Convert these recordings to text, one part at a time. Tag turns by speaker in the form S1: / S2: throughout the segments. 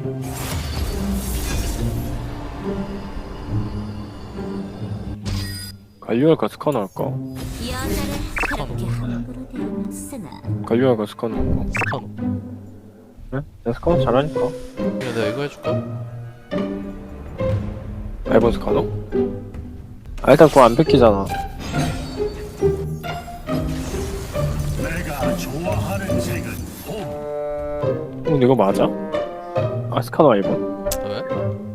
S1: 갈리오할까 스카너 할까? 갈리오할까 스카너 할까?
S2: 스카노.
S1: 그래? 내가 스카너 잘하니까.
S2: 그냥 내가 이거 해줄까?
S1: 알본 스카너? 아 일단 그거 안 뺏기잖아.
S3: 내가 좋아하는 색은
S1: 근데 이거 맞아? 아 스카너 알본?
S2: 왜?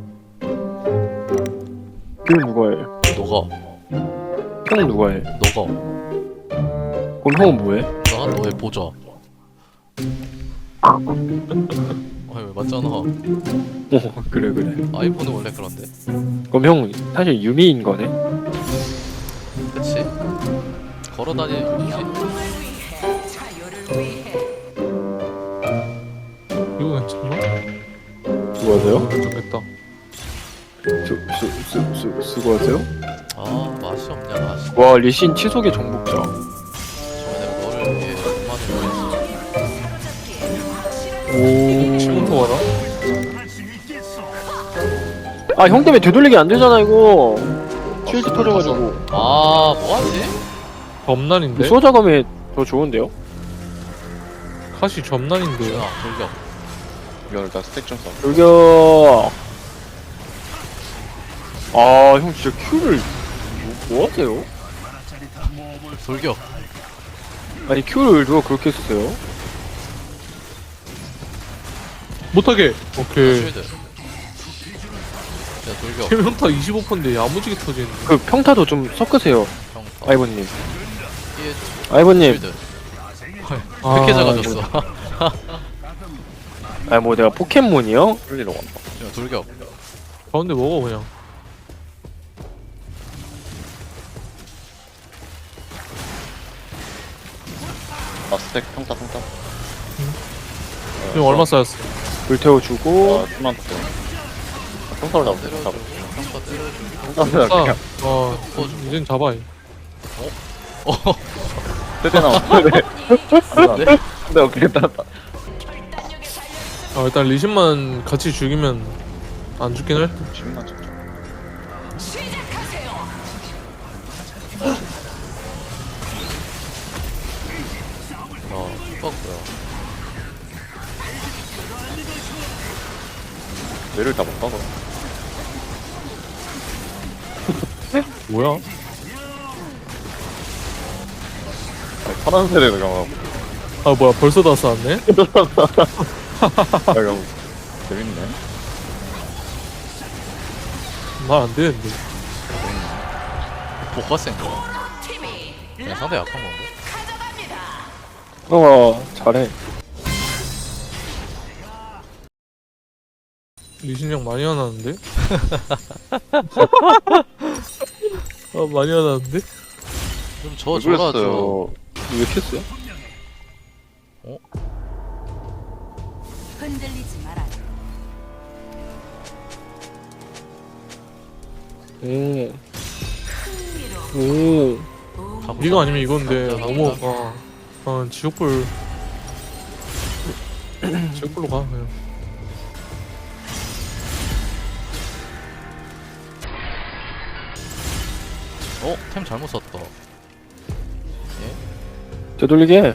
S1: 그럼 누가 해?
S2: 너가.
S1: 형은 누가 해?
S2: 너가.
S1: 그럼 형은 뭐해?
S2: 나 너의 보좌. 왜 맞잖아.
S1: 오 그래 그래.
S2: 아이폰은 원래 그런데.
S1: 그럼 형 사실 유미인 거네?
S2: 그치? 걸어다니는 유지?
S4: 이거 괜찮나?
S1: 수고하세요.
S4: 괜찮겠다.
S1: 수고하세요.
S2: 아 맛이 없냐 맛이.
S1: 와 리신 치속의 정복자.
S2: 저번에 내가 너를 위해 얼마나 노력했어.
S1: 오.
S4: 지금 통하나?
S3: 할수 있겠어.
S1: 아 형 때문에 되돌리기 안 되잖아 이거. 쉴드 터져가지고.
S2: 아 뭐하지?
S4: 점난인데?
S1: 수호자감이 더 좋은데요?
S4: 카시 점난인데.
S2: 준아 돌격.
S5: 이거 일단 스택 좀 써.
S1: 돌격. 아 형 진짜 큐를 뭐 하세요?
S3: 짜릿한 모험을
S2: 돌격.
S1: 아니 큐를 누가 그렇게 쓰세요?
S4: 못하게. 오케이.
S2: 쉴드. 야 돌격.
S4: 세명타 25%인데 야무지게 터지는데.
S1: 그 평타도 좀 섞으세요
S2: 평타.
S1: 아이버님.
S2: 피해.
S1: 아이버님.
S2: 쉴드.
S4: 아,
S2: 이렇게 작아졌어.
S1: 아 뭐 내가 포켓몬이요?
S5: 풀리러 간다.
S2: 야 돌격.
S4: 가운데 먹어 그냥.
S5: 아 스택 평타.
S4: 지금 얼마 쌓였어?
S1: 불태워주고.
S5: 아 좀만 더. 평타를 잡으면 돼.
S2: 때려주고.
S5: 잡아.
S2: 평타 때려주고.
S5: 평타를
S4: 아,
S5: 그냥
S4: 이젠 잡아.
S5: 세대 나왔는데. 근데 어떻게 따랐다.
S4: 아, 일단 리신만 같이 죽이면 안 죽긴 할 듯.
S5: 10만 점.
S2: 슈퍼구야.
S5: 뇌를 다 못 박아.
S4: 뭐야?
S5: 아니, 파란 세대를 강하고.
S4: 아 뭐야 벌써 다 쌓았네?
S5: 야 이거 재밌네.
S4: 말 안 되는데.
S2: 뭐가 센 거야? 그냥 상대 약한 건가?
S1: 잘해.
S4: 리신 형 많이 화나는데? 아 많이 화나는데?
S2: 좀 줘라 줘.
S1: 왜 켰어요?
S6: 흔들리지 마라.
S1: 오.
S4: 이거 아니면 이건데
S2: 가보자,
S4: 너무
S2: 가보자.
S4: 지옥불 지옥불로 가 그냥.
S2: 템 잘못 썼다.
S1: 되돌리게 해.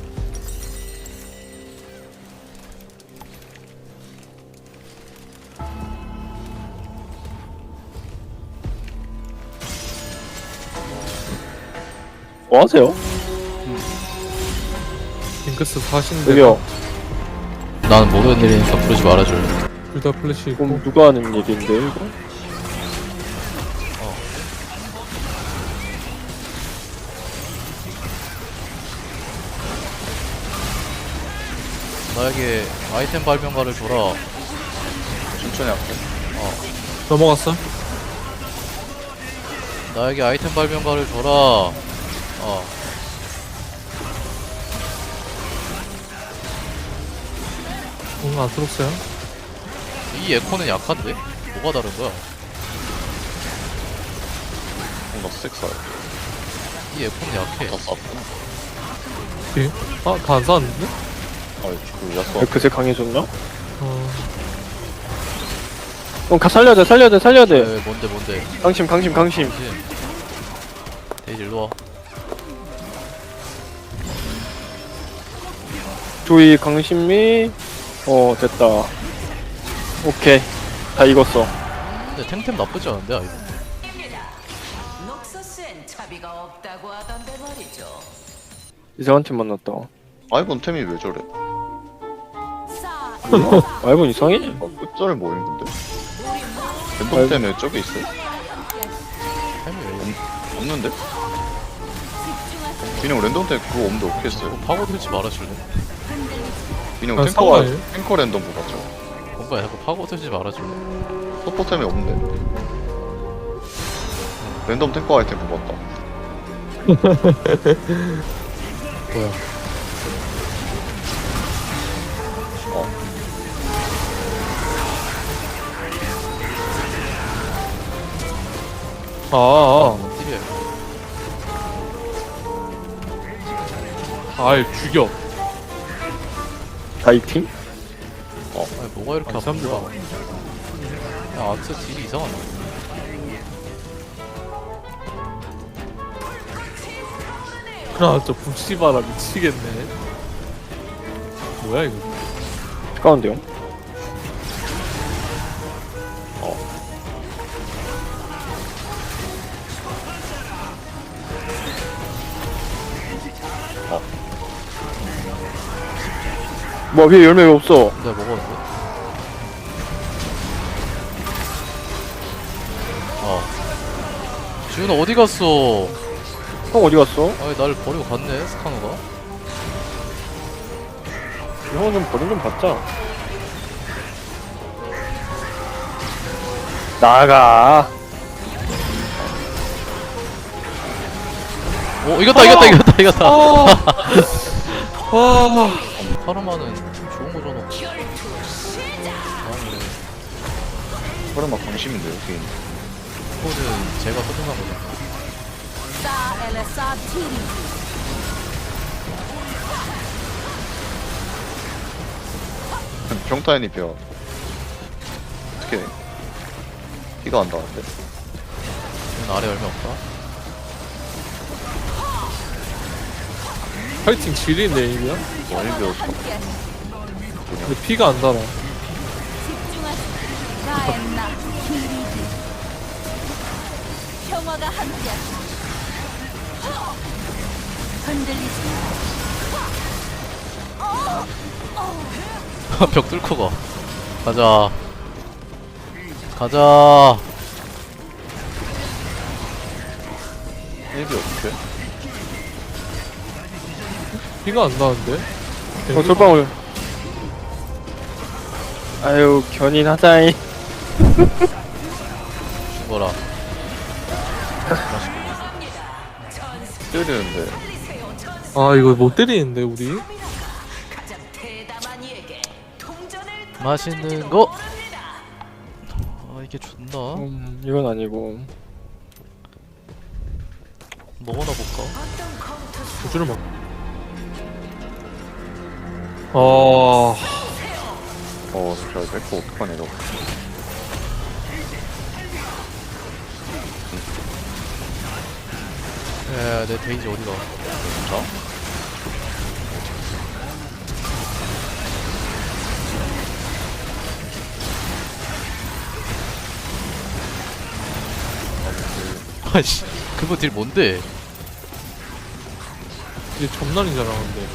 S1: 뭐 하세요?
S4: 징크스 4신데
S1: 저기요.
S2: 나는 모르는 일이니까 부르지 말아줄래.
S4: 둘다 플래시 있고.
S1: 그럼 누가 하는 일인데 이거?
S2: 나에게 아이템 발명가를 줘라.
S5: 천천히 할게.
S4: 넘어갔어?
S2: 나에게 아이템 발명가를 줘라.
S4: 응 아트록스야?
S2: 이 에코는 약한데? 뭐가 다른 거야?
S5: 뭔가 스택 써야
S2: 이 에코는 약해.
S5: 다 쌌구나.
S4: 오케이. 아 다 안 쌓았는데?
S5: 아 그 야수
S1: 왜 그새 강해졌냐? 살려야 돼 살려야 돼 살려야 돼.
S2: 왜 뭔데
S1: 강심 강심 강심.
S2: 데이지 일로와.
S1: 조이 강심미. 됐다. 오케이 다 익었어.
S2: 근데 탱템 나쁘지 않은데 아이고.
S6: 녹서스엔 차비가 없다고 하던데 말이죠.
S1: 이상한 팀 만났다.
S5: 아이번 템이 왜 저래?
S6: 싸
S1: 알고 이상해?
S5: 끝절을 모임 근데. 랜덤 템에 저기 있어?
S2: 템이 왜
S5: 없는데? 그냥 랜덤 템 그거 없는데 어떻게 했어요?
S2: 파고들지 말아줄래?
S5: 그냥
S4: 아,
S5: 탱커가
S4: 상관이에요?
S5: 탱커 랜덤 보았죠.
S2: 뭔가 자꾸 파고들지 말아줄래?
S5: 서포템이 없는데. 랜덤 탱커 아이템 뽑았다.
S4: 뭐야?
S2: 뭔 딜이야 이거.
S4: 아이 죽여.
S1: 다이팅?
S2: 아니 뭐가 이렇게
S4: 아니,
S2: 아픈
S4: 사람들
S2: 거야? 야 아트 딜이 이상하네.
S4: 아, 저 북시바라 미치겠네. 뭐야 이거?
S1: 가운데요? 뭐 위에 열매 왜 없어?
S2: 내가 먹었는데? 지훈아 어디 갔어?
S1: 형 어디 갔어?
S2: 아니 나를 버리고 갔네 스카노가.
S1: 형은 좀 버림 좀 받자. 나가.
S2: 오 이겼다.
S4: 와.
S2: 파르마는 좋은 거잖아. 아무래
S5: 그러면 강심인데 여기.
S2: 이거는 제가 소중한 거죠.
S6: 싸 엘레사 티리
S5: 평타인이 벼. 어떻게 피가 안 나는데?
S2: 지훈 아래 열매 없다.
S4: 파이팅 지리네 이거야?
S5: 많이 배웠어.
S4: 근데 피가 안 달아.
S6: 집중하시 나엔나 키리디 평화가 함께 흔들리지
S2: 벽 뚫고 가. 가자.
S5: 일비 어떻게?
S4: 피가 안 나는데?
S1: 솔방울. 아유 견인하자이.
S2: 죽어라.
S5: 때리는데
S4: 아 이거 못 때리는데 우리?
S6: 가장 대담한 이에게 동전을
S2: 맛있는 거. 아 이게 좋나?
S1: 이건 아니고.
S2: 먹어나 볼까?
S6: 어떤 검투
S4: 고주를 막. 아.
S5: 저 맥고 어떡하냐 이거.
S2: 야내 데이지 어디가?
S5: 자?
S2: 아이씨 그거 딜 뭔데?
S4: 이게 점난이잖아 근데.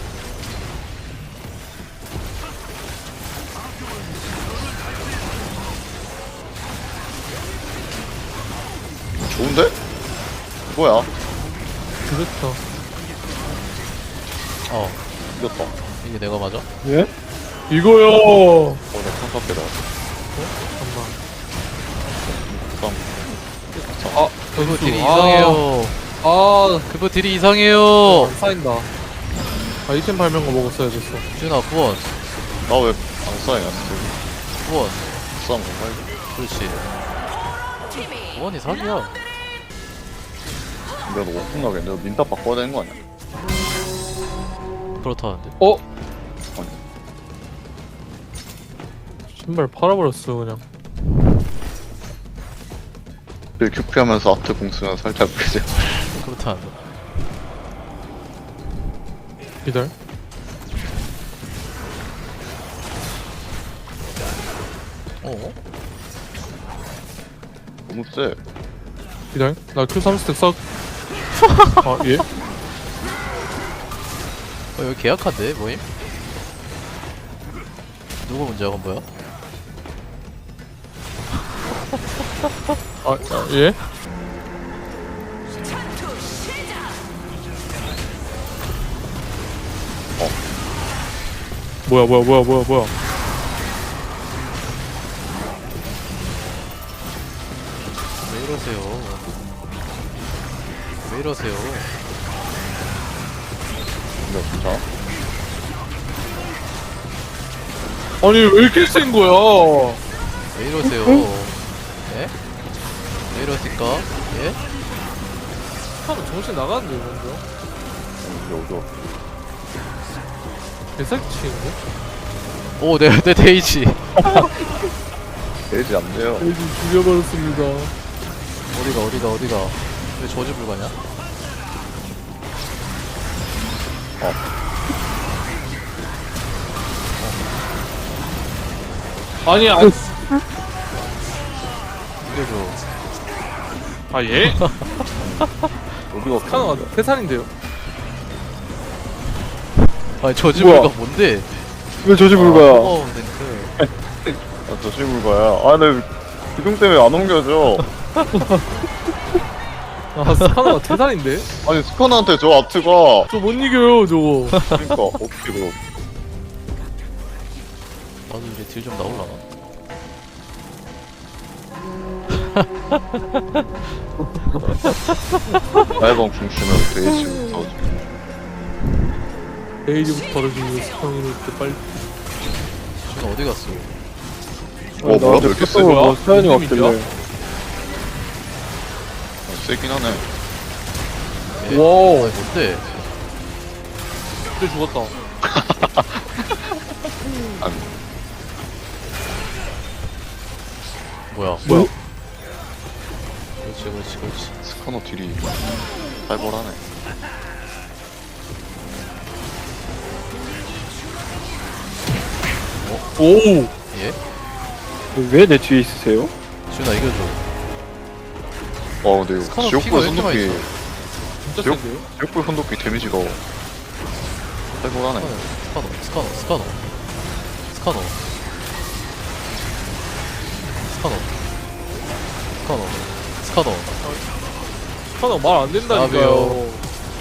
S5: 좋은데? 뭐야?
S4: 그렇다.
S5: 이겼다.
S2: 이게 내가 맞아?
S1: 예?
S4: 이거요.
S5: 내 평타대다.
S4: 아,
S2: 그거 딜이
S4: 아.
S2: 이상해요.
S4: 아,
S2: 그거 딜이 이상해요.
S4: 안 쌓인다. 아이템 발명거 먹었어야 됐어.
S2: 지훈아 구원.
S5: 나왜 안 쌓이냐 진짜.
S2: 구원.
S5: 싸움 정말.
S2: 그렇지. 구원이 사기야.
S5: 내가 너 오픈 가겠네. 너 민답 바꿔야 되는 거 아니야?
S2: 그렇다는데.
S4: 어?
S5: 아니.
S4: 신발 팔아버렸어 그냥.
S5: 큐피하면서 아트 공수면 살짝 그죠.
S2: 그렇다.
S4: 기다려.
S2: 어?
S5: 너무 세.
S4: 기다려. 나 Q 3스택 싹. 아 예?
S2: 여기 계약한데 뭐임? 누구 문제야 그건 뭐야?
S4: 아 예?
S6: 전투 시작.
S4: 뭐야.
S2: 왜 이러세요? 왜 이러세요?
S5: 근데 진짜
S4: 아니 왜 이렇게 센 거야?
S2: 왜 이러세요? 예? 왜 이러실까? 예?
S4: 사람 정신 나가는데 먼저.
S5: 여기서
S4: 개사기 치는데?
S2: 오, 내 데이지.
S5: 데이지 안 돼요.
S4: 애지 죽여버렸습니다.
S2: 어디가? 왜 저지 불가냐?
S4: 아니 아.
S2: 이겨줘.
S4: 아 예?
S5: 어디가
S4: 카노가 3살인데요?
S2: 아니 저지
S1: 뭐야?
S2: 불가 뭔데?
S1: 왜 저지 불가야?
S2: 어, 랭크.
S5: 저 실물가야. 아, 근데 기둥 때문에 안 옮겨져.
S4: 아 카노가 3살인데?
S5: 아니 스카나한테 저 아트가
S4: 저 못 이겨요 저거.
S5: 그러니까 어떻게 그럼?
S2: 나도 이제 딜 좀 나올라나?
S5: 나이번 궁수면 데이지부터
S4: 에이지부터 벌어지는 스팡이는 때 빨리.
S2: 지금 어디 갔어?
S5: 뭐야, 왜 이렇게 세?
S1: 뭐 사연이
S4: 무슨
S1: 없길래.
S4: 의미야?
S5: 세긴 하네.
S2: 예?
S4: 와우.
S2: 아니 뭔데?
S4: 근데 죽었다.
S2: 뭐야?
S4: 뭐야?
S2: 그렇지.
S5: 스카너 딜이 살벌하네.
S4: 오.
S2: 예?
S1: 왜 내 뒤에 있으세요?
S2: 지훈아 이겨줘.
S5: 와 근데
S2: 스카너
S5: 지옥불
S2: 피가 왜 이렇게 많이
S5: 손도끼
S4: 진짜
S5: 지옥?
S4: 센데요?
S5: 지옥불 손도끼 데미지가 살벌하네.
S2: 스카너.
S4: 카노 말 안 된다니까요.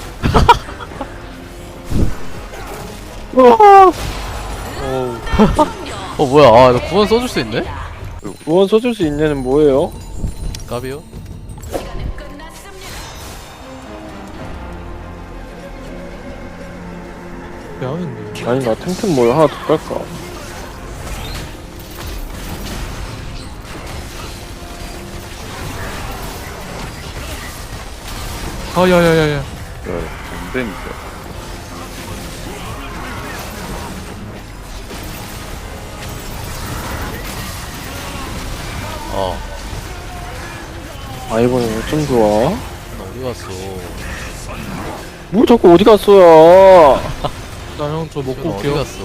S4: 어우.
S2: 어 뭐야? 아, 나 구원 써줄 수 있네?
S1: 무언 써줄 수 있냐는 뭐예요?
S2: 까비요?
S6: 끝났습니다.
S4: 야인데.
S1: 아니 나 템템 뭘 하나 더 깔까?
S4: 아 야야야야.
S5: 안 되니까.
S2: 아,
S1: 이번에 좀 좋아.
S2: 나 어디 갔어?
S1: 뭐 자꾸 어디 갔어요?
S4: 나 형 저 먹고
S2: 지훈아 어디
S4: 올게요.
S2: 갔어?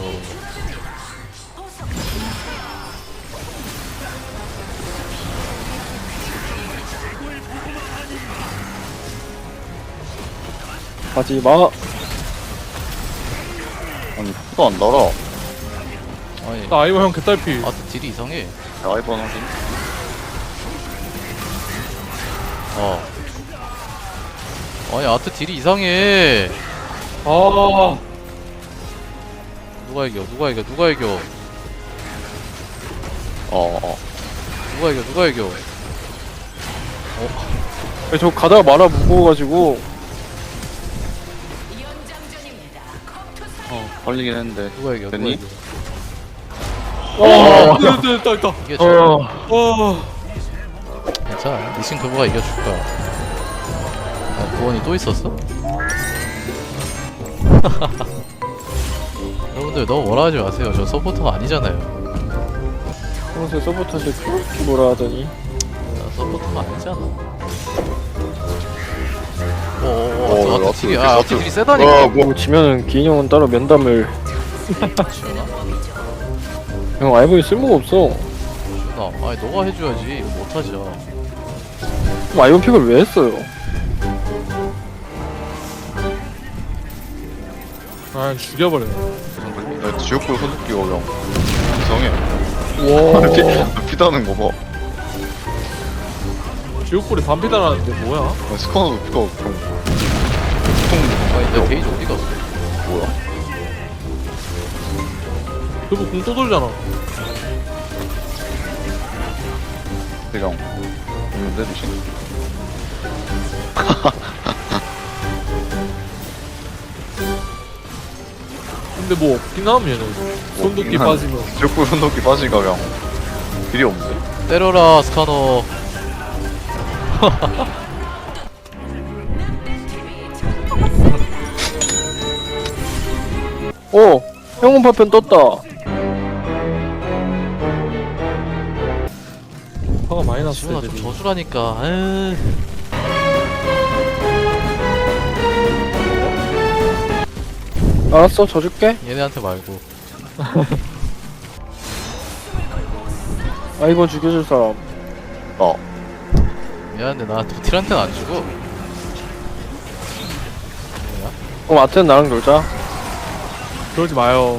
S1: 가지 마.
S5: 아니 푸도 안 달아.
S2: 아니,
S4: 나 아이버 형 개딸피.
S2: 아트 딜이 이상해.
S5: 아이번 확인.
S2: 아니 아트 딜이 이상해.
S4: 아.
S2: 누가 이겨? 누가 이겨?
S1: 저 가다가 말아 무거워가지고
S6: 연장전입니다. 컴투사.
S5: 걸리긴 했는데.
S2: 누가 이겨?
S5: 됐니?
S4: 됐다.
S2: 이게 저
S4: 어.
S2: 괜찮아. 니신 그거가 이겨줄 거야. 아, 구원이 또 있었어? 여러분들 너무 뭐라 하지 마세요. 저 서포터가 아니잖아요.
S1: 평소에 서포터인데 그렇게 뭐라 하더니
S2: 서포트가 아니잖아.
S5: 어,
S2: 어어어 앞뒤
S5: 앞뒤
S2: 앞뒤들이 세다니까.
S1: 뭐 지면은 기인 형은 따로 면담을
S2: 지현아?
S1: 형 아이보이 쓸모가 없어.
S2: 지현아 아니 너가 해줘야지. 이거 못하죠.
S1: 그럼 아이본 픽을 왜 했어요?
S4: 아 죽여버려.
S5: 나 지옥불 손톱기가 형 이상해.
S4: 와
S5: 피다는 거 봐.
S4: 지옥불이 반피 달았는데 뭐야?
S5: 스카너도 피가 좀
S2: 아니 내 게이지 어디 갔어?
S5: 뭐야?
S4: 그거 공또 돌잖아.
S5: 대강 있는데 대신
S4: 근데 뭐 없긴 함 얘는. 손도끼
S5: 한-
S4: 빠지면.
S5: 지옥불 손톱기 빠지니까 그냥 길이 없는데?
S2: 때려라 스카너.
S1: 형은 파편 떴다.
S4: 화가 많이 났어
S2: 지훈아 좀
S4: 애들이.
S2: 져주라니까. 에이.
S1: 알았어, 져줄게.
S2: 얘네한테 말고.
S1: 아이본 죽여줄 사람.
S2: 미안한데 나 도틸한테는 안 주고. 뭐야?
S1: 그럼 아트는 나랑 놀자.
S4: 그러지 마요.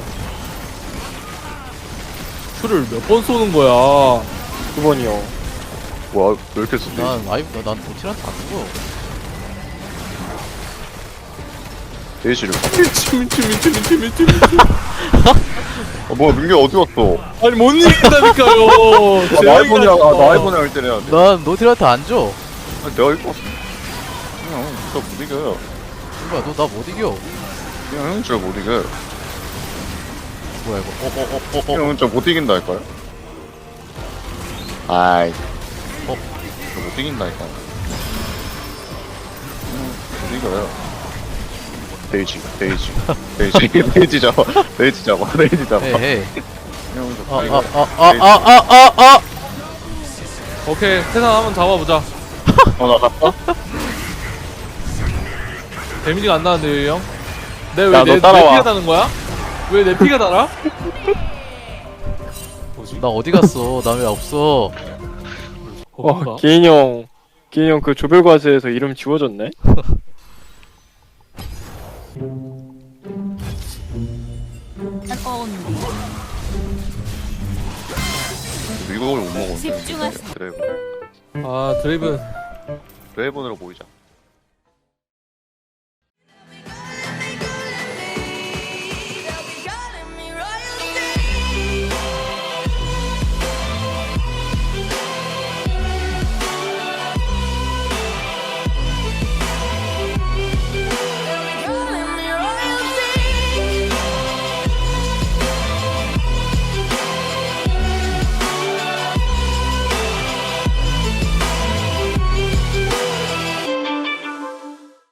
S4: 큐를 몇 번 쏘는 거야.
S1: 2번이요.
S5: 뭐야 왜 이렇게 쏘지?
S2: 난 도틸한테 안 주고.
S5: 데이지를
S4: 미친.
S5: 뭐야 민규 어디 갔어?
S4: 아니 못 이긴다니까요.
S5: 나 아이폰이랑 할 때래야 돼.
S2: 난 노틸한테 안 줘.
S5: 아니, 내가 이거 그냥 진짜 못 이겨요.
S2: 뭐야 너 나 못 이겨.
S5: 그냥 형은 진짜 못 이겨요.
S2: 뭐야 이거.
S5: 형은 진짜 못 이긴다니까요. 아이
S2: 어?
S5: 진짜 못 이긴다니까. 못 이겨요. 데이지 데이지 잡아 데이지 잡아
S2: 헤이.
S5: 형은 좀 이겨.
S2: 아아아아아아아.
S4: 오케이 세상 한번 잡아보자.
S5: 나 갔어?
S4: 데미지가 안 나는데 왜 형?
S1: 야,
S4: 내왜
S1: 너
S4: 내
S1: 따라와.
S4: 피가 다는 거야? 왜 내 피가 달아? 뭐지?
S2: 나 어디 갔어? 나 왜 없어?
S4: 거긴가?
S1: 기인 형 그 조별과제에서 이름 지워졌네?
S5: 이걸 못 먹었는데.
S6: 집중하세요.
S5: 드래곤
S4: 아 드레이븐
S5: 드래곤으로 보이자.